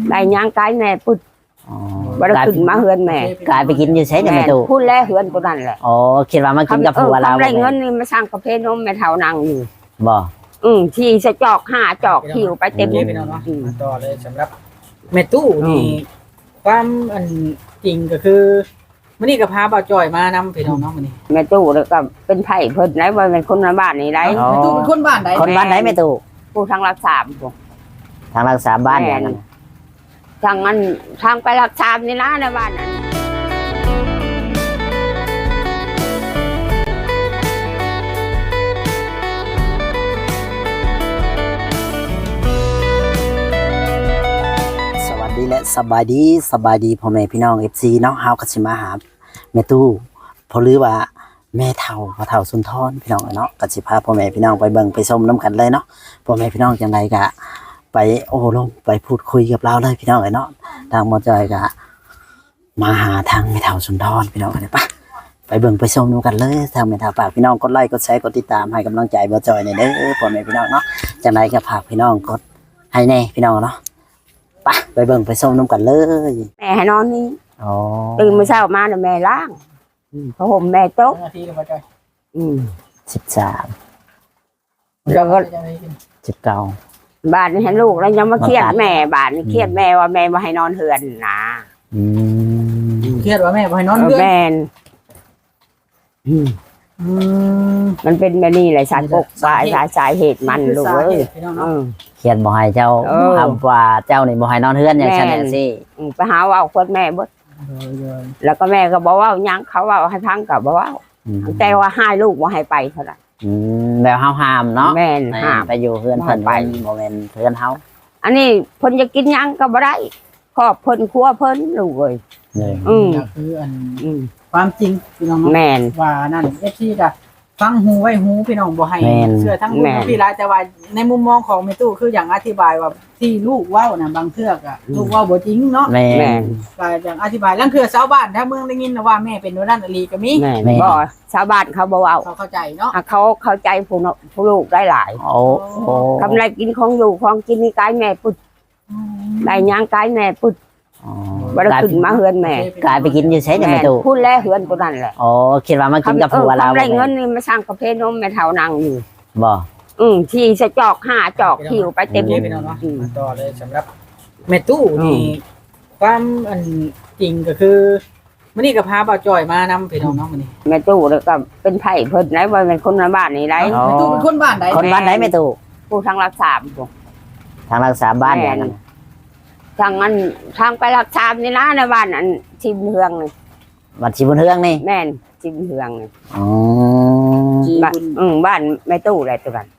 ได้ย่างกายแม่พุดบ่ได้ขึ้นมาเฮือนแม่กลายไปกินอยู่ใช้ในประตูพูดแลเฮือนตัวนั้นแหละอ๋อคิดว่ามากินกับผัวเราได้เงินนี่มาสร้างกาแฟนมแม่เฒ่านั่งอยู่บ่ที่สะจอก5จอกคิวไปเต็มพี่น้องเนาะต่อเลยสำหรับแม่ตู้นี่ความอันจริงก็คือมื้อนี้ก็พาบ่าวจ้อยมานำพี่น้องเนาะมื้อนี้แม่ตู้แล้วก็เป็นไผเพิ่นได้ว่าเป็นคนบ้านนี่ได้แม่ตู้เป็นคนบ้านใดคนบ้านไหนแม่ตู้ผู้ทางรักษาทางรักษาบ้านเนี่ยทางนั้นทางไปรักษานี่นะในบ้านนั้นและสบายดีพ่อแม่พี่น้อง FC เนาะเฮาก็สิมาหาแม่ตู้เพราะหรือว่าแม่เฒ่าพ่อเฒ่าสุนทรพี่น้องเนาะก็สิพาพ่อแม่พี่น้องไปเบิ่งไปชมนํกันเลยเนาะพ่อแม่พี่น้องจังไดก็ไปโอ้ลงไปพูดคุยกับเราเลยพี่น้องเนาะทางหมอจอยก็มาหาทางแม่เฒ่าสุนทรพี่น้องกันไปเบิ่งไปชมนํกันเลยทางแม่เฒ่าฝากพี่น้องกดไลค์กดแชร์กดติดตามให้กำลังใจหมอจอยนี่เด้อพ่อแม่พี่น้องเนาะจังไดก็ฝากพี่น้องกดให้แน่พี่น้องเนาะไปเบิ่งไปส่งน้ำกันเลยแม่ให้นอนนี่ตื่นมื้อเช้ามาแม่ล้างผ้าห่มแม่โต๊ะนาทีแล้วบ่จ้อย 13 แล้วก็ 19 บ้านนี้ให้ลูกแล้วยังมาเครียดแม่บ้านนี้เครียดแม่ว่าแม่บ่ให้นอนเฮือนนะเครียดว่าแม่บ่ให้นอนเฮือนแม่มันเป็นแบบนี้แหละสารปกสายเหตุมันลูกเอ้ยเขียนบ่ให้เจ้าคำว่าเจ้านี่บ่ให้นอนเฮือนอย่างฉันน่ะสิไปหาว่าคนแม่เบิดแล้วก็แม่ก็บอกว่ายังเขาว่าให้พังก็บ่ว่าแต่ว่าให้ลูกบ่ให้ไปเท่านั้นแล้วเฮาห้ามเนาะแม่ห้ามไปอยู่เฮือนเพิ่นไปบ่แม่นเฮือนเฮาอันนี้เพิ่นจะกินยังก็บ่ได้ครอบเพิ่นครัวเพิ่นลูกเอ้ยก็คืออันความจริงพี่น้องแม่นว่านั่นFCก็ฟังหูไว้หูพี่น้องบ่ให้เชื่อทั้งบุญพี่หลายแต่ว่าในมุมมองของแม่ตู้คืออย่างอธิบายว่าที่ลูกเว้าน่ะบางเทื่อก็ลูกเว้าบ่จริงเนาะแม่ก็อย่างอธิบายลางเทื่อชาวบ้านถ้าเมืองได้ยินว่าแม่เป็นว่านั่นอลีก็มีบ่ชาวบ้านเขาบ่เว้าเขาเข้าใจเนาะเขาเข้าใจผู้ลูกได้หลายกำไรกินของอยู่ของกินนี่กายแม่ปุดได้ย่างกายแม่ปุดบ่ได้ขึ้นมาเฮือนแม่กลายไปกินอยู่ใช้ในประตูพูดแลเฮือนตัวนั้นแหละอ๋อคิดว่ามากินกับผัวเราได้เงินนี่มาสร้างกาแฟนมแม่เฒ่านั่งอยู่บ่ที่สะจอก5จอกคิวไปเต็มพี่น้องเนาะต่อเลยสำหรับแม่ตู้นี่ความอันจริงก็คือมื้อนี้ก็พาบ่าวจ้อยมานำพี่น้องเนาะมื้อนี้แม่ตู้แล้วก็เป็นไผเพิ่นได้ว่าเป็นคนบ้านนี่ได้แม่ตู้เป็นคนบ้านใดคนบ้านไหนแม่ตู้ผู้ทางรักษาทางรักษาบ้านเนี่ยทางนั้นทางไปรักษานี่นะในบ้านอันชิมเฮืองนี่บ้านชิมเฮืองนี่แม่นชิมเฮืองนี่บ้านแม่ตู้อะไรตัวนั้น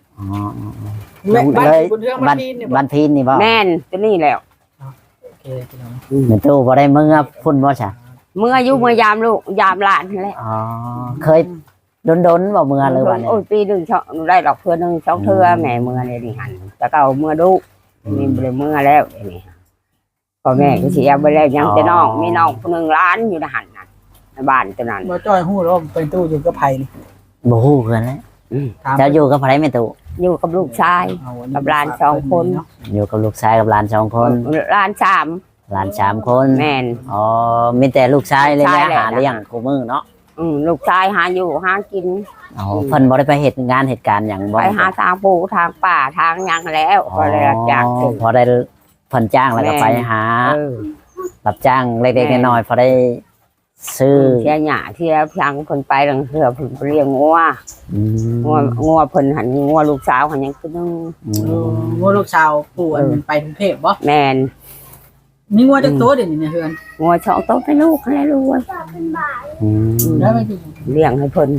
บ้านพีนนี่บ่แม่นตัวนี้แล้วแม่ตู้บ่ได้เมื่อพุ่นบ่ใช่เมื่ออยู่เมื่อยามลูกยามหลานนั่นแหละเคยดนบ่เมื่อหรือว่าโอ้ยปีนึงได้ดอกเพื่อนึง2เทื่อแม่เมื่อเลยนี่หันแต่ก็เอาเมื่อลูกนี่บ่ได้เมื่อแล้วนี่พ่อแม่ก็สิเอาไปแล้วยังแต่น้องมีน้องคนนึงร้านอยู่ในหันน่ะในบ้านตัวนั้นบ่จ้อยฮู้แล้วเป็นตู้อยู่กับไผนี่บ่ฮู้คือกันแล้วจะอยู่กับไผแม่ตู้อยู่กับลูกชายกับหลาน2คนอยู่กับลูกชายกับหลาน2คนหลาน3 คนแม่นอ๋อมีแต่ลูกชายเลยแหละหาเลี้ยงคู่มือเนาะลูกชายหาอยู่หากินอ๋อเพิ่นบ่ได้ไปเหตุการณ์หยังบ่ไปหาทางปู่ทางป่าทางหยังแล้วก็เลยรับจ้างพอได้เพิ่นจ้างแล้วก็ไปหารับจ้างเล็กๆน้อยๆพอได้ซื้อเที่ยหญ้าเที่ยพังเพิ่นไปลังเทื่อเพิ่นเลี้ยงงัวเพิ่นหันงัวลูกสาวหันยังคือนึงงัวลูกสาวปู่ไปกรุงเทพบ่แม่นมีงัวจักตัวเดี๋ยวนี้เฮือนงัว2ตัวให้ลูกให้ลูกแล้วไม่เลี้ยงให้เพิ่น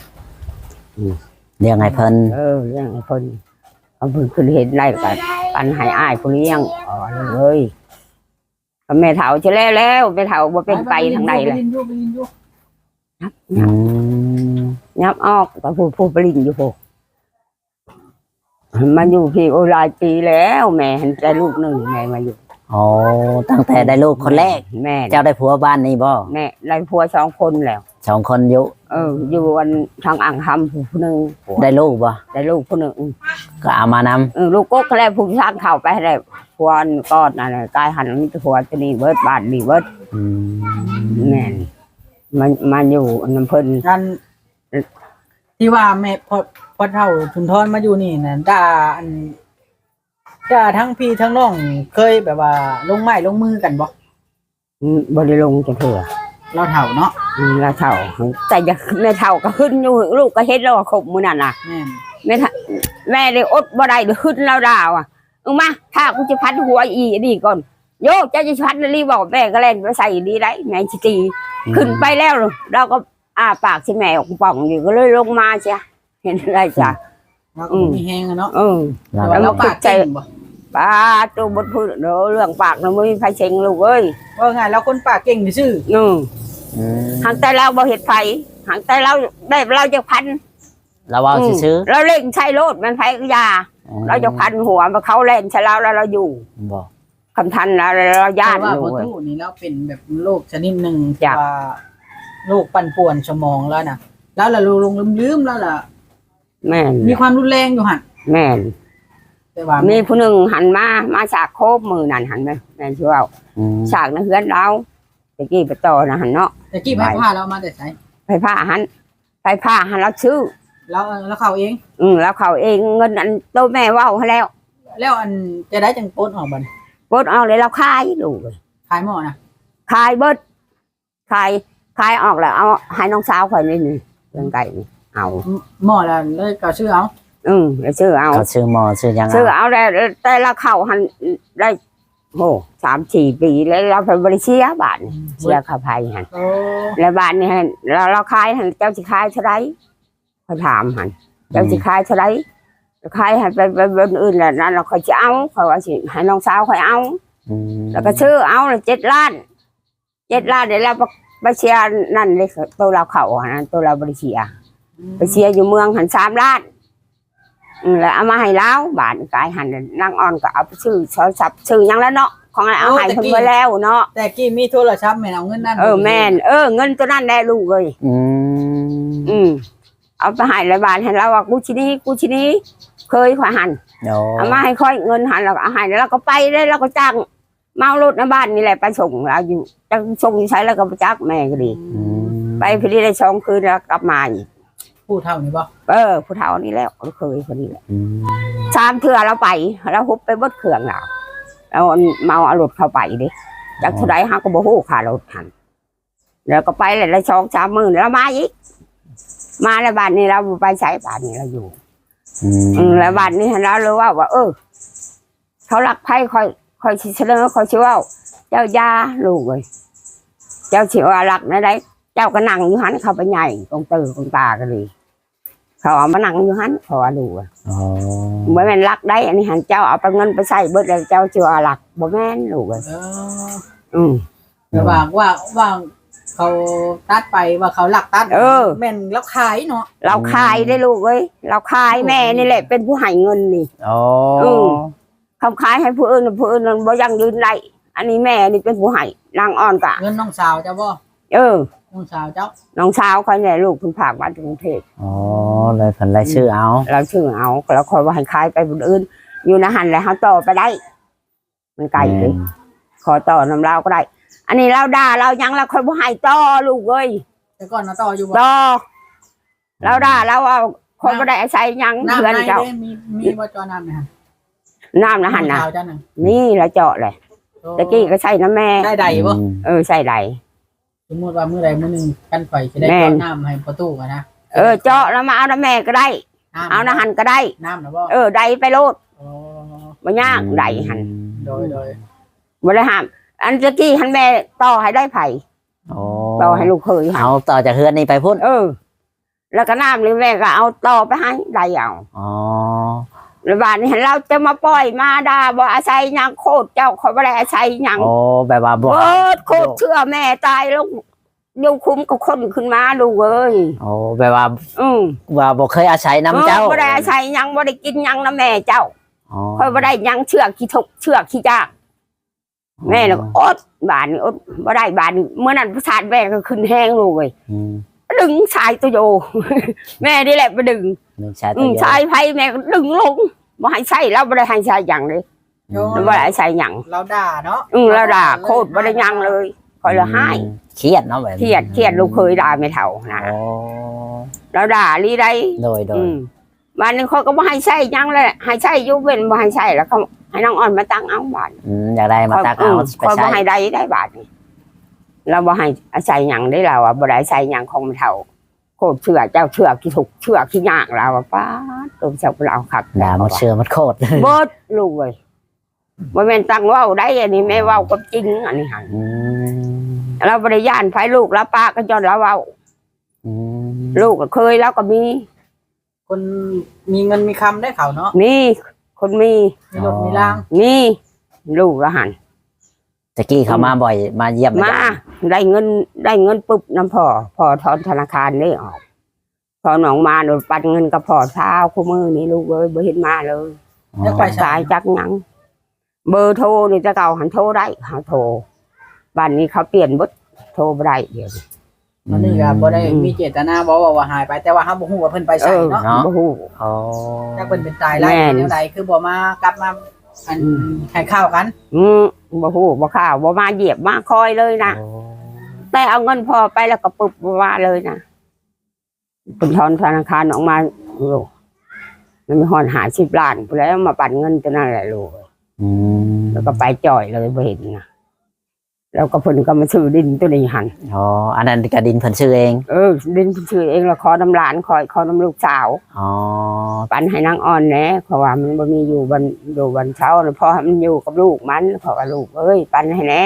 เลี้ยงให้เพิ่นเลี้ยงให้เพิ่นเอาเพิ่นขึ้นเห็นได้ก็ปันให้อ้ายผู้เลี้ยงเลยแม่เฒ่าจะแล้วแม่เฒ่าบ่เป็นไปทางใดเลยยับออกแต่ผู้ปริญอยู่พวกมาอยู่พี่โอหลายปีแล้วแม่เห็นแต่ลูกหนึ่งแม่มาอยู่อ๋อตั้งแต่ได้ลูกคนแรกแม่เจ้าได้ผัวบ้านนี้บ่แม่ได้ผัว2คนแล้ว 2คนอยู่อยู่วันทางอ่างคำผู้นึงได้ลูกบ่ได้ลูกผู้นึงก็เอามานำลูกก็แค่ผู้สร้างเข่าไปได้ผผัวก้อนอะไรกายหันมีแต่ผัวตัวนี้เบิดบ้านนี่เบิดอืมแม่นมันอยู่น้ำเพิ่นกันที่ว่าแม่พอเท่าสุนทรมาอยู่นี่น่ะด่าทั้งพี่ทั้งน้องเคยแบบว่าลงไม้ลงมือกันบ่บ่ได้ลงจังเถื่อเราเฒ่าเนาะแล้วเฒ่าแต่จะแม่เฒ่าก็ขึ้นอยู่ลูกก็เฮ็ดแล้วขบมื้อนั้นน่ะแม่นแม่ได้อดบ่ได้เลยขึ้นแล้วดาวอ่ะมาถ้ากูจะพัดหัวอีนี่ก่อนโยเจ้าจะพัดรีบอกแม่ก็เล่นไปใส่ดีได้แม่สิตีขึ้นไปแล้วเราก็ปากสิแม่ออกป่องอยู่ก็เลยลงมาจ้ะเห็นอะไรจ้ะเราก็มีแฮงอะเนาะแล้วเราปาปาก กใจเก่งบ่ป้าตัวบดพูดเรื่องปากเราไม่มีไฟเชงลูกเอ้ยว่าไงเราคนปากเก่งซื่อหางแต่เราบ่เห็ดไฟหางแต่เราได้เราจะพันเราเอาซื้อเราเล่นใช้โลดมันไฟก็ยาเราจะพันหัวมาเขาเล่นใช้เราแล้วเราอยู่บ่คำทันเราญาติว่าอยู่พ่อตู้นี่เราเป็นแบบโรคชนิดหนึ่งจ้ะว่าโรคปั่นป่วนสมองแล้วน่ะแล้วล่ะลงลืมแล้วล่ะแม่นมีความรุนแรงอยู่หั่นแม่นแต่ว่ามีผู้หนึ่งหันมาฉากโคบมือนั่นหันไปแม่นชื่อว่าฉากนั้นเฮือนเราตะกี้ไปต่อนะหันเนาะแต่กี้ไผพาเรามาแต่ไสไฟผ้าหันเราชื่อแล้วเขาเองแล้วเขาเองเงินอันโตแม่ว่าให้แล้วแล้วอันจะได้จังโปนออกบัดปดเอาเลยเราขายดูเลยขายหม้อนะขายเบิดขายออกแล้วเอาให้น้องสาวข่อยนี่เรื่องไก่นี่เอาหม้อแล้วเลยก็ซื้อเอาแล้วซื้อเอาเขาซื้อหมอซื้อยังซื้อเอาแต่ละเข้าหันได้โห3-4 ปีแล้วเราไปบริเชียบาทนี่เชียข้าภัยหันโอ้แล้วบาทนี่หันเราขายหันเจ้าสิขายเท่าไรเขาถามหันเจ้าสิขายเท่าไรขายหันไปบนอื่นแหละนั่นเราค่อยจะเอาเขาว่าสิให้น้องสาวค่อยเอาแล้วก็ซื้อเอาเลย7 ล้านเดี๋ยวเราไปเชียนั่นเลยตัวเราเข่าหันตัวเราบริเชียไปเชียอยู่เมืองหัน3 ล้านแล้วเอามาให้แล้วบาทกายหันนางอ่อนก็เอาไปซื้อโทรศัพท์ซื้อยังแล้วเนาะของเอาให้คนไปแล้วเนาะแต่กี้มีโทรศัพท์แม่นเอาเงินนั่นแม่นเงินตัวนั้นได้ลูกเลยเอาไปให้แล้วบาทให้เราว่ากูชินี้เคยขวาหันเอามาให้ค่อยเงินหันเราเอาให้แล้วเราก็ไปได้เราก็จ้างเมารถในบ้านนี่แหละไปส่งเราอยู่จะส่งใช้แล้วก็ไปจักแม่ก็ดีไปพอดีได้2 คืนแล้วกลับมาอีกผู้เฒ่านี่บ่ผู้เฒ่านี่แล้วเคยคนนี้แหละ3 เทื่อเราไปแล้วฮุบไปเบิดเครื่องเราแล้วเมาเอารถเข้าไปดิจากเท่าไรฮะก็บ่ฮู้ค่ารถหันแล้วก็ไปเลยได้2-3 มื้อแล้วมาอีกมาแล้วบ้านนี้เราไปใช้บ้านนี้เราอยู่แล้วบ้านนี้เรารู้ว่าเขารักไพ่คอยเสนอคอยชื่อว่าเจ้ายาลูกเลยเจ้าชื่อว่ารักนะได้เจ้าก็นั่งอยู่หันเข้าไปใหญ่กองตือกองตากันเลยเขาเอามานั่งอยู่หันเขาว่าดูเหมือนมันรักได้อันนี้หันเจ้าเอาไปเงินไปใส่เบิดเลยเจ้าชื่อว่ารักบ่แม่นลูกเลยแต่ว่าเขาตัดไปว่าเขาหลักตัดแม่นแล้วขายเนาะเราขายได้ลูกเอ้ยเราขายแม่นี่แหละเป็นผู้ให้เงินนี่เขาขายให้ผู้อื่นบ่ยังยืนได้อันนี้แม่นี่เป็นผู้ให้นางอ่อนกะเงินน้องสาวเจ้าบ่น้องสาวเจ้าน้องสาวเขาเนี่ยลูกคุณฝากมาจากกรุงเทพเลยผลได้ชื่อเอาเราชื่อเอาแล้วคอยว่าให้ขายไปคนอื่นอยู่นะหันแล้วเขาต่อไปได้มันไกลเลยขอต่อน้ำเราก็ได้อันนี้เราด่าเรายังเราคอยบ่ให้ต่อลูกเอ้ยแต่ก่อนนะต่ออยู่บ่ต่อเราด่าเราเอาคนบ่ได้อาศัยยังเพื่อนเจ้ามีบ่จอน้ำนะน้ำนะหันนะนี่เราเจาะเลยตะกี้ก็ใส่น้ำแม่ได้ใดบ่ใส่ใดสมมติว่ามื้อใดมื้อนึงกันไฟจะได้เจาะน้ำให้ประตูกันนะเจาะแล้วมาเอาน้ำแม่ก็ได้เอาน้ำหันก็ได้น้ำนะบ่ใดไปโลดบ่ยากใดหันโดยบ่ได้ห้ามอันตะกี้หันแม่ต่อให้ได้ไผ่ต่อให้ลูกเคยเอาต่อจากเฮือนนี่ไปพุ่นแล้วก็น้ำนี่แม่ก็เอาต่อไปให้ได้เอาแล้วบ้านนี้เราจะมาปล่อยมาด่าบ่อาศัยยังโคตรเจ้าเขาบ่ได้อาศัยยังแบบว่าบ่โคตรเชื่อแม่ตายแล้วอยู่คุ้มกับคนขึ้นมาลูกเอ้ยแบบว่าว่าบ่เคยอาศัยน้ำเจ้าบ่ได้อาศัยยังบ่ได้กินยังน้ำแม่เจ้าค่อยบ่ได้ยังเชื่อขี้ทกเชื่อขี้จ้าแม่แล้วอดบ้านนี่อดบ่ได้บ้านนี่เมื่อนั้นประสาทแม่ก็ขึ้นแห้งลูกเอ้ยดึงชายตัวโยแม่นี่แหละไปดึงชายไผ่แม่ก็ดึงลงบ่ให้ใส่แล้วบ่ได้ให้ใส่อย่างเลยมันบ่ได้ใส่หยังเราด่าเนาะเราด่าโคตรบ่ได้หยังเลยคอยละให้เครียดเนาะแบบเครียดลูกเคยด่าไม่เท่านะโอ้เราด่าลีได้โดยวันนึงเขาก็บ่ให้ใส่หยังเลยให้ใส่อยู่เว้นบ่ให้ใส่แล้วเขาให้น้องอ่อนมาตั้งเอาบาดอยากได้มาตักเอาไปคอยบ่ใช้ให้ได้บาดนี่เราบ่ให้ใส่หยังได้เราอ่ะบ่ได้ใส่หยังของไม่เท่าโคตรเชื่อเจ้าเชื่อที่ถูกเชื่อที่ยากเราอ่ะป้าตัวเจ้าเราครับด่ามันเชื่อมันโคตรเบิดลูกเว้ยบ่แม่นตั้งเว้าได้อันนี้แม่เว้ากับจริงอันนี้หั่นเราบ่ได้ย่านไผลูกแล้วป้าก็จนเราเว้าลูกก็เคยแล้วก็มีคนมีเงินมีคำได้เขาเนาะมีคนมีมีรถมีร่างมีลูกละหันตะกี้เขามาบ่อยมาเยี่ยมมาได้เงินปุ๊บน้ำพ่อถอนธนาคารนี่ออกพอหนองมาโดนปันเงินกับพ่อเช้าคู่มือนี่ลูกเอ้ยบ่เห็นมาเลยแล้วไปสายจักหยังเบอร์โทรนี่จะเก่าหันโทรได้หาโทรบ้านนี้เขาเปลี่ยนเบดโทรบ่ได้เดี๋ยวนี้มันนี่ก็บ่ได้มีเจตนาบ่ว่าหายไปแต่ว่าเฮาบ่ฮู้ว่าเพิ่นไปไสเนาะบ่ฮู้อ๋อถ้าเพิ่นเป็นตายไล่แม่นแนวใดคือบ่มากลับมาอันให้ข้าวกันบ่ฮู้บ่ข่าวบ่มาเหยียบมาคอยเลยนะแต่เอาเงินพ่อไปแล้วก็ปึบบ่ว่าเลยนะเป็นถอนธนาคารออกมาโลมันมีหอน50 ล้านไปแล้วมาปั่นเงินตัวนั้นแหละลูกแล้วก็ไปจ่อยเลยบ่เห็นนะแล้วก็เพิ่นก็มาซื้อดินตัวนี้หันอ๋ออันนั้นกระดินเพิ่นชื่อเองดินเพิ่นซื้อเองแล้วขอน้ำหลานขอน้ำลูกสาวอ๋อปั่นให้นางอ่อนแหน่เพราะว่ามันบ่มีอยู่วันเช้าแล้วพอให้มันอยู่กับลูกมันเพราะว่าลูกเอ้ยปั่นให้แหน่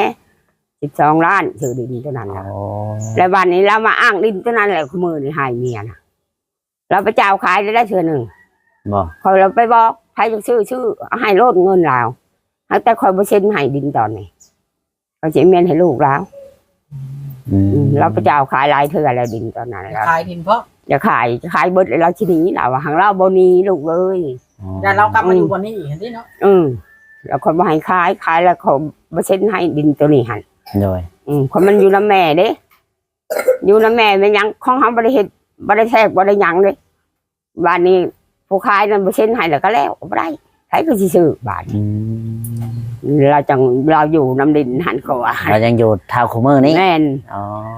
12 ล้านซื้อดินตัวนั้นอ๋นะอแล้ววันนี้เรามาอ้างดินตัวนั้นแหละขมือนี่ให้เมียนะเราไปเจ้าขายได้เทื่อหนึ่งบ่คอยเราไปบอกใครจะชื่อให้โลดเงินเราแต่คอยบ่เซ็นให้ดินตอนนี้เขาจะเมียนให้ลูกเราเราไปเจ้าขายหลายเทื่อแล้วดินตอนนั้นแล้วขายดินเพราะจะขายเบิดเราทีนี้เราหางเราบ่หนีลูกเลยแต่เรากลับมาอยู่วันนี้อีกเห็นดิเนาะแล้วคนบ่ให้ขายแล้วเขาบ่เซ็นให้ดินตัวนี้หั่นโดยคนมันอยู่นำแม่เด้อยู่นำแม่เป็นหยังของเฮาบ่ได้เฮ็ดบ่ได้แทรกบ่ได้หยังเด้บ้านนี้ผู้ขายนั่นบ่เซ็นให้แล้วก็แล้วบ่ได้ใครก็สิซื้อบ้านเราอยู่นำดินหันก็ว่าเรายังอยู่เท่าคุมือนี้แม่นอ๋อ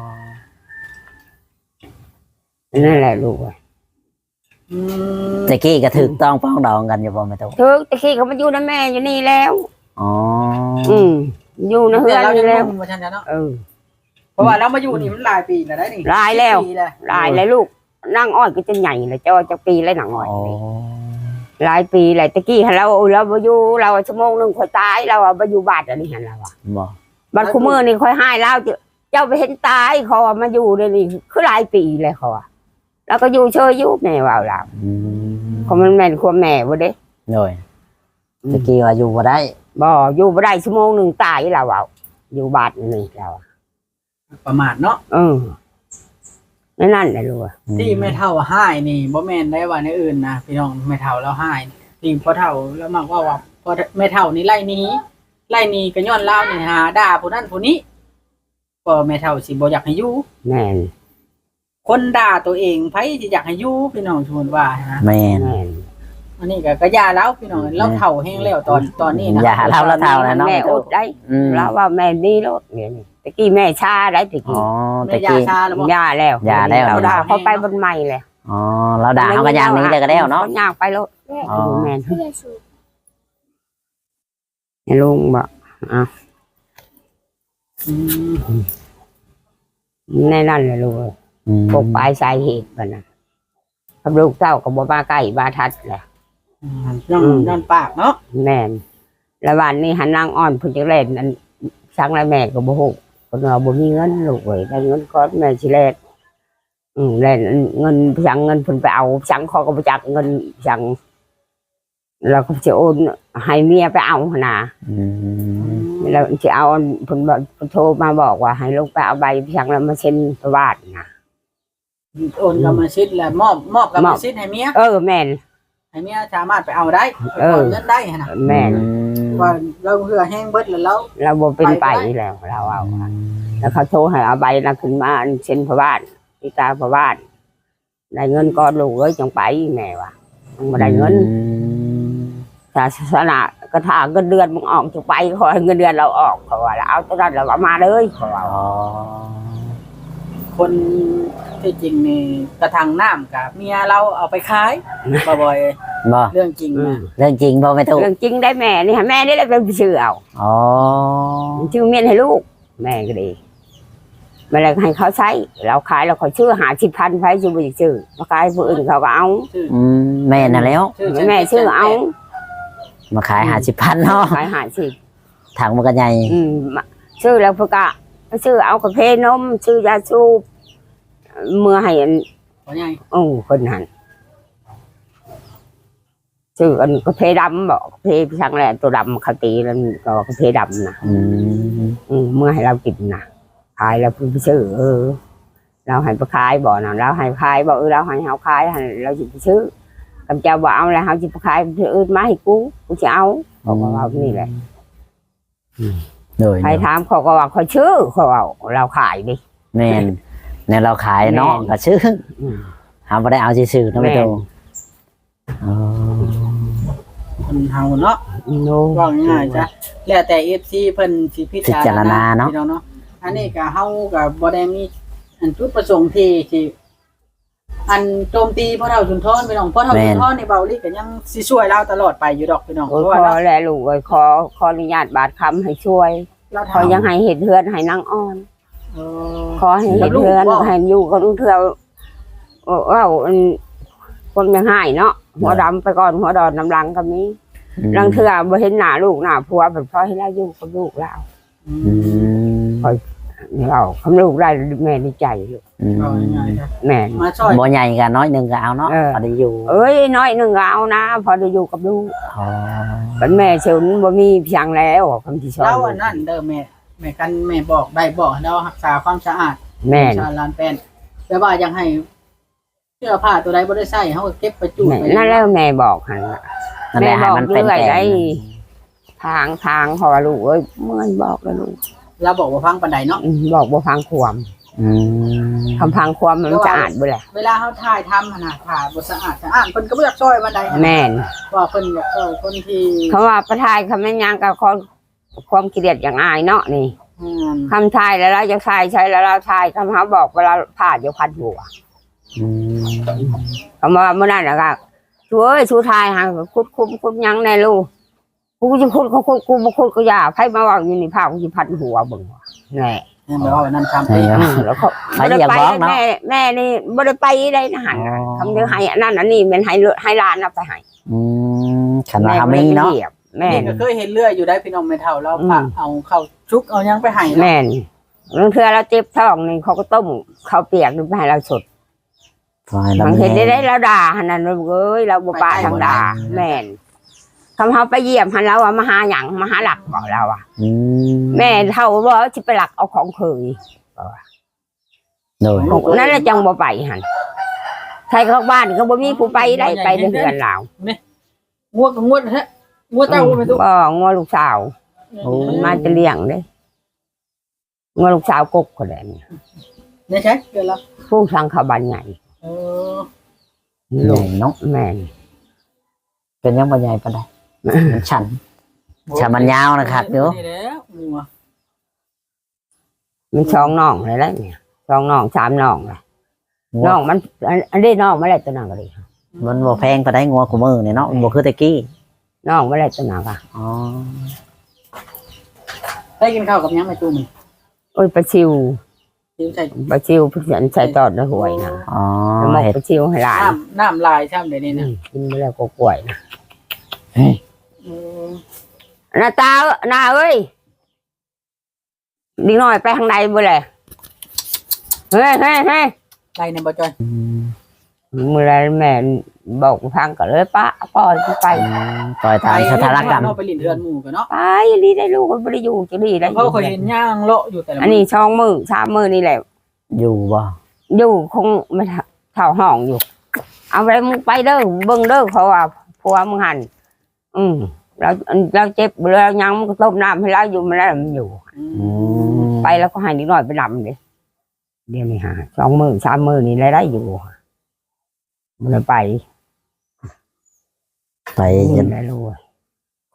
นั่นแหละลูกตะกี้ก็ถูกต้องป้องดองกันอยู่บ่แม่ตุ๊กถึกตะกี้เขามาอยู่นำแม่อยู่นี่แล้วอ๋ออยู่ในเฮือนเรานี่ยังแล้วงงว่าฉันเนาะเพเพราะว่าเรามาอยู่นี่มันหลายปีแล้วได้นี่หลายแล้ว 10ปีแล้วหลายแล้วลูกนั่งอ้อยก็จะใหญ่เลยเจ้าจะปีแล้วหนังอ้อยอ๋อหลายปีหลายตะกี้เราบ่อยู่เราชั่วโมงนึงค่อยตายเราบ่อยู่บ้านอันนี้หั่นเราอ่ะบ่บัดคุมื้อนี่ค่อยหายแล้วเจ้าไปเห็นตายเขาว่ามาอยู่นี่คือหลายปีเลยเขาอ่ะแล้วก็อยู่เชยอยู่แม่ว่าเราเขามันแม่นความแม่บ่เด้โดยตะกี้ว่าอยู่บ่ได้บ่อยู่บ่ได้ชั่วโมงนึงตายเราเอาอยู่บ้านนี่เราประมาทเนาะนั่นแหละลูกที่ไม่เท่าห้ายนี่บ่แม่นได้ว่าในอื่นนะพี่น้องไม่เท่าแล้วห้ายที่พอเท่าแล้วมักว่าพอไม่เท่านี่ไล่หนี้ก็ย้อนเล่านี่หาด่าผู้นั้นผู้นี้ก็ไม่เท่าสิบ่อยากให้อยู่แม่นคนด่าตัวเองไผสิอยากให้อยู่พี่น้องชวนว่านะแม่นแม่นอันนี้ก็ยาแล้วพี่น้องเราเฒ่าแห้งแล้วตอนนี้นะอย่าเท่าแล้วเท่าแล้วเนาะแม่อดได้เราว่าแม่นี่โลดเนี่ยตะกี้แม่ชาได้ตะอ๋กี้อแม่ตะยากี้ชาแล้วบ่ย่าแล้วย่าแล้วเราด่าเขาไปบนใหม่เลยอ๋อเราด่าเขาก็อย่างนี้เลยก็ได้เนาะย่างไปโลดอ๋อแม่นให้ลุงบอกอืมในนั่นเลยลูกปกปลายสาเหตุมันนะกับลูกเต้ากับบ่มาใกล้บาทัดแหละย้อนปากเนาะแม่นแล้ววันนี้หันนางอ่อนพุ่นจักเล่นอันสังแล้วแม่ก็บ่ฮู้คนเราบ่มีเงินลูกเอ้ยได้เงินก้อนแม่สิแลกเล่นเงินสังเงินเพิ่นไปเอาสังเขาก็บ่จักเงินสังเราก็สิโอนให้เมียไปเอาหั่นน่ะแล้วสิเอาเพิ่นบอกเพิ่นโทรมาบอกว่าให้ลูกไปเอาใบสังแล้วมาเซ็นประวัติน่ะโอนกรรมสิทธิ์แล้วมอบกรรมสิทธิ์ให้เมียแม่นให้เมียสามารถไปเอาได้ไปถอนเงินได้นะแม่นว่าเราเหือแห้งเบิดแล้วเราบ่เป็นไปแล้วเราเอาแล้วเขาโทรให้เอาใบน่ะขึ้นมาอันเซ็นประวัติที่ตาประวัติได้เงินก้อนลูกเอ้ยจังไปแม่ว่าบ่ได้เงินศาสนากระถางเงินเดือนมึงออกจะไปขอให้เงินเดือนเราออกเขาว่าแล้วเอาตอนนั้นเราเอามาเลยเขาว่าอ๋อคนที่จริงนี่กระถางน้ำกับเมียเราเอาไปขายบ่อยบ่ๆเรื่องจริงนะเรื่องจริงบ่แม่ตู้เรื่องจริงได้แม่นี่ฮะแม่นี่แหละเป็นชื่อเอาอ๋อชื่อเมียนให้ลูก แม่ก็ดีไม่เลยให้เขาใช้เราขายเราขอชื่อ50,000ไฟชื่อไม่ชื่อมาขายผู้อื่นเขาก็เอาชื่อแม่น่ะแล้วแม่ชื่อเอามาขาย50,000เนาะขาย50 ถังมันก็ใหญ่ชื่อแล้วพวกก็ชื่อเอากาแฟนมชื่อยาสูบเมื่อให้อันว่าไงคนหันชื่ออันกาแฟดำบอกกาแฟช่างแหละตัวดำเขาตีแล้วก็กาแฟดำนะ เมื่อให้เรากินนะขายแล้วพี่ซื้อเราให้ไปขายบ่อนะเราให้ขายบ่เราให้เขาขายเราจะไปซื้อกำเจ้าบ่เอาแล้วเขาจะไปขายอื่นมาให้กูจะเอาบอกว่านี่แหละโดยใครถามเขาก็ว่าเขาชื่อเขาเอาเราขายดิแม่นในเราขายเนาะก็ชื่อหาบ่ได้เอาซื่อๆเนาะแม่ตู้อ๋อคนเฮาเนาะโนว่าง่ายๆจ้ะแล้วแต่ FC เพิ่นสิพิพิจารณาเนาะพี่องเนาะอันนี้ก็เฮาก็บ่ได้มีอันจุดประสงค์ที่สิอันโจมตีพ่อเฒ่าสุนทรพี่น้องพ่อเฒ่าสุนทรในเบาลี่ก็ยังสิช่วยเราตลอดไปอยู่ดอกพี่น้องโอ้ยเพราะว่าขอแลลูกขออนุญาตบาทคำให้ช่วยเราขอยังให้เห็ดเทือนให้นางอ่อนเอขอให้เห็ดเทือนให้อยู่กับลูกเทือว่าคนยังให้เนาะหัวดำไปก่อนหัวดอนน้ำลังก็มีลังเทือบ่เห็นหน้าลูกหน้าผัวแบบพอให้เราอยู่กับลูกเรา เราคำลูกได้แม่ดีใจลูกเอาง่ายๆจ้ะแม่มาช่วยบ่ใหญ่กันน้อยหนึงก็เอาเนาะพอได้อยู่เอ้ยน้อยหนึ่งเอานะ พอได้อยู่กับลูกอ๋อเป็นแม่เชิญบ่มีเพียงแล้วคำที่ชอบเราอันนั้นเด้อแม่กันแม่บอกได้บอกให้เรารักษาความสะอาดแม่ชาลานแป้นแต่ว่ายังให้เสื้อผ้าตัวใดบ่ได้ใส่เฮาก็เก็บไปจูดไปนั่นแล้วแม่บอกหันนั่นแหแม่ละให้บอกมันเป็นเรื่อยแกได้นทางพอลูกเอ้ยเมื่อนบอกแล้วลูกเราบอกว่าฟังปานใดเนาะบอกบ่ฟังความอืมคำพังความมันจะอ่านบ่แหละเวลาเฮาถ่ายทำหั่นน่ะถ่ายบ่สะอาดเพิ่นก็บ่อยากช่วยปานใดแม่นว่าเพิ่นอยากช่วยคนที่เขาว่าประทายคำแม่นยังกับความเกลียดอย่างอายเนาะนี่ คำทายแล้วเราจะทายใช้แล้วเราทายคำเขาบอกเวลาผ่าอยู่พันหัวอืมคำว่าเมื่อนั้นนะครับช่วยชูทายหาคุดยังในลูกกูจะคุดเขาคุดกูมาคุดก็อย่าไพ่มาว่าอยู่ในผ้ากูจะพันหัวบึงแน่แม่บอกว่านั่นทำใช่เองครับแล้วเขาใครอย่าบอกเนาะแม่นี่บ่ได้ไปได้นะหันคำเดียวให้อันนั้นอันนี้เป็นให้ร้านเอาไปให้ขันว่ามีเนาะแม่นี่ก็เคยเห็นเลื่อยอยู่ได้พี่น้องแม่เฒ่าเราพาเอาเข้าชุกเอายังไปให้แม่บางเทื่อเราเจ็บท้องนี่เขาก็ต้มเขาเปียกไปให้เราสด บางเห็นได้เราด่าหันนั้นเอ้ยเราบ่ปาทางด่าแม่นคำเขาไปเยี่ยมหันเราอะมาหาหยังมาหาหลักบอกเราอะแม่เท่าว่าจะไปหลักเอาของเคยโดยนั่นแหละจังบ่ไปหันใครเข้าบ้านเขาบ่มีผู้ไปได้ไปเดือนเรางวดก็งวดฮะงวดเจ้าบ่แม่นตุก็งอลูกสาวมันมาจะเลี้ยงเด้งอลูกสาวกกคนนี้นี่ใช่เกินแล้วผู้สังขบันใหญ่เออใหญ่เนาะแม่นเป็นยังบ่ใหญ่ปานใดมันฉันมันยาวนะครับเดี๋ยวนี่แหละงัวมันช่องน่องเลยแล้วเนี่ยช่องน่องสามน่องเลยน่องมันอันนี้น่องไม่ได้ตัวหนังก็ดีมันบ่แพงปานใดงัวกูมือนี่เนาะมันบ่คือตะกี้น่องไม่ได้ตัวหนังอ่ะอ๋อได้กินข้าวกับยังแม่ตู้มื้อโอ้ยปลาชิวสิวใส่ปลาชิวพี่ฉันใส่ตอดในหวยนะอ๋อแล้วมกเห็ดปลาชิวให้หลานน้ำลายช่ำเดี๋ยวนี้นะกินไปแล้วก็กล้วยนะเออหน้าตาหน้าเอ้ยดีหน่อยไปทางใดบ่เลยเฮ้ยไล่ในบ่จอยเมื่อไรแม่บอกฟังก็เลยป้าปล่อยไปปล่อยตามสถานการณ์เนาะไปลินเรือนหมู่กันเนาะไปดีได้ลูกไม่ได้อยู่จะดีได้เพราะเคยเห็นย่างเลาะอยู่แต่ละอันนี้ช่องมือสามมือนี่แหละอยู่บ่อยู่คงไม่เท่าห้องอยู่ เอาไปมึงไปเด้อเบิ่งเด้อเขาว่าผัวมึงหันเราเจ็บเรายังมันก็ต้มน้ำให้เราอยู่มันแล้วมันอยู่ ไปแล้วก็ให้นิดหน่อยไปดำเลยเดี๋ยวนี้ฮะสองมือสามมือนี่ได้อยู่มันไปไปยัยังนได้รู้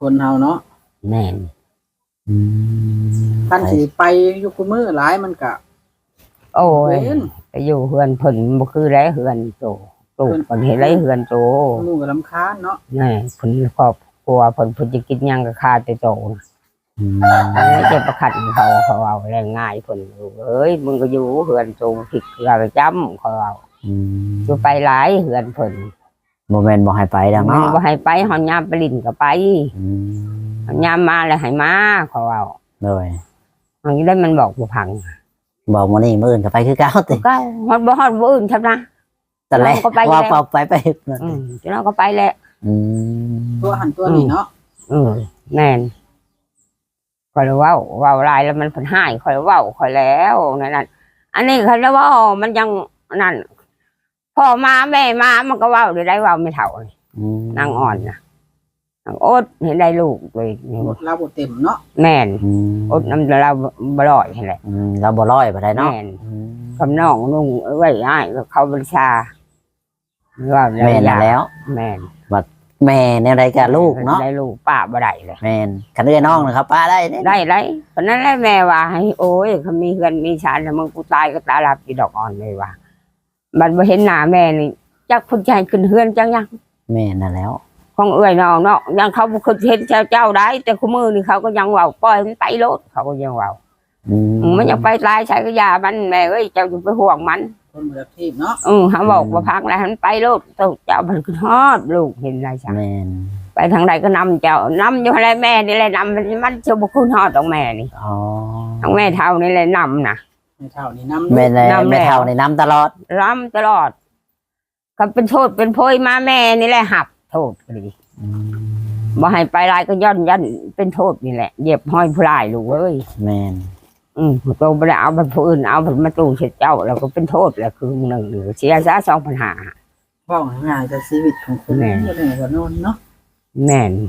คนเฮาเนาะแม่นอืมท่านสิไปอยู่คุมื้อหลายมันก็โอ้ยเว้นไปอยู่เฮือนเพิ่นบ่คือไรเฮือนโตปลูกเพิ่นเฮ็ดไรเฮือนโตหมู่ก็รำคาญเนาะนี่เพิ่นครอบครัวเพิ่นจะกินหยังก็คาแต่โตนะอืมไม่จะประคัดเขาเอาแรงง่ายเพิ่นเอ้ยมึงก็อยู่เฮือนโตผิดเราไปจำเขาเอาอืมอยู่ไปหลายเฮือนเพิ่นบ่แม่นบ่ให้ไปดังมันเนาะบ่ให้ไปหอนยามไปลิ้นก็ไปอืมหอนยามมาแล้วให้มาเขาเอาโดยอันนี้ได้มันบอกบ่พังบอกมื้อนี้มื้ออื่นก็ไปคือเก่าติก็ฮอดบ่ฮอดบ่อื่นครับนะตอนแรกเราก็ไปว่าแล้วเปล่าไปจนเราก็ไปแหละอืมตัวหันตัวนี่เนาะแม่นคอยเว้าลายแล้วมันเพิ่นหายคอยเว้าคอยแล้วนั่นอันนี้เขาเรียกว่ามันยังนั่นพ่อมาแม่มามันก็เว้าได้เว้าไม่เท่าเลยอืมนางอ่อนนะนางโอ๊ตเห็นได้ลูกเลยเราบ่เต็มเนาะแม่นอืมโอ๊ตน้ำเราบ่ลอยเห็นแหละเราบ่ร้อยบ่ได้เนาะแม่นอืมคำน้องนุ่งไว้ให้ก็เขาบัญชาว่าแม่นน่ะแล้วแม่นแม่แนวใดกับลูกเนาะได้ลูกป้าบ่ได้เลยแม่นคันเอื้อน้องนะครับป้าได้เด้ได้ไรเพราะนั้นแหละแม่ว่าให้โอ้ยเขามีเงินมีชาแล้วมึงกูตายก็ตาลับอีดอกอ่อนเลยว่ามันบ่เห็นหน้าแม่นี่จักคนใจขึ้นเฮือนจังยังแม่นั่นแล้วของเอื้อยน้องเนาะยังเขาบ่เคยเห็นเจ้าได้ แต่คู่มือนี่เขาก็ยังเว้าปล่อยมันไปโลดเขาก็ยังเว้าอืมมันยังไปตายใช้ก็ยามันแม่เอ้ยเจ้าจะไปห่วงมันคนมืออาชีพเนาะเขาบอกว่าพักแล้วมันไปโลดเจ้ามันคือฮอดลูกเห็นไรจ้ะแม่นไปทางใดก็นำเจ้านำอยู่อะไรแม่นี่แหละนำมันจะบุคุณฮอดของแม่นี่อ๋อทางแม่เท่านี่แหละนำนะไม่เท่านี่นำแม่ในนำแล้วแม่เฒ่าในน้ำตลอดรำตลอดก็เป็นโทษเป็นโพยมาแม่นี่แหละหับโทษก็ดีอืมบ่ให้ไปลายก็ยันเป็นโทษนี่แหละเหยียบห้อยผู้ลายลูกเอ้ยแม่นโตไปแล้วเอาไปผู้อื่นเอาไปมาตู้เช็ดเจ้าแล้วก็เป็นโทษแล้วคือหนึ่งหรือเสียซะ2,500 ว่าง่ายๆแต่ชีวิตของคนแม่ก็ได้ก็นอนเนาะแม่น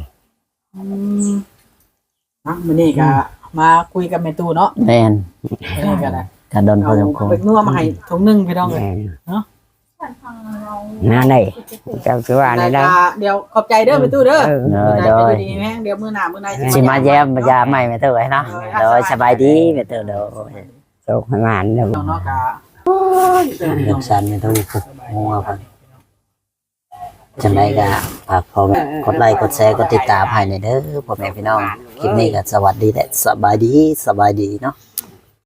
มื้อนี้ก็มาคุยกับแม่ตู้เนาะแม่นมื้อนี้ก็ได้กระดนพเอาอสมควรเป็กนัวมาให้ถุงนึงพี่น้องเอ้ยแม่นเนาะนั่นเลยเจ้าชื่อว่าอะไรได้เดี๋ยวขอบใจเด้อแม่ตู้เด้อเออเอมื้ออโดไหนยไปดีแม่เดี๋ยวมื้อหน้ามื้อไหนสิมาแย้มยาใหม่แม่เฒ่าไว้เนาะโดยสบายดีแม่เฒ่าโดยโชคให้หวานเด้อน้องเนาะก็เรื่องชันแม่เฒ่างัวเพิ่นจังไดก็ฝากพ่อแม่กดไลค์กดแชร์กดติดตามให้หน่อยเด้อพ่อแม่พี่น้องคลิปนี้ก็สวัสดีและสบายดีเนาะ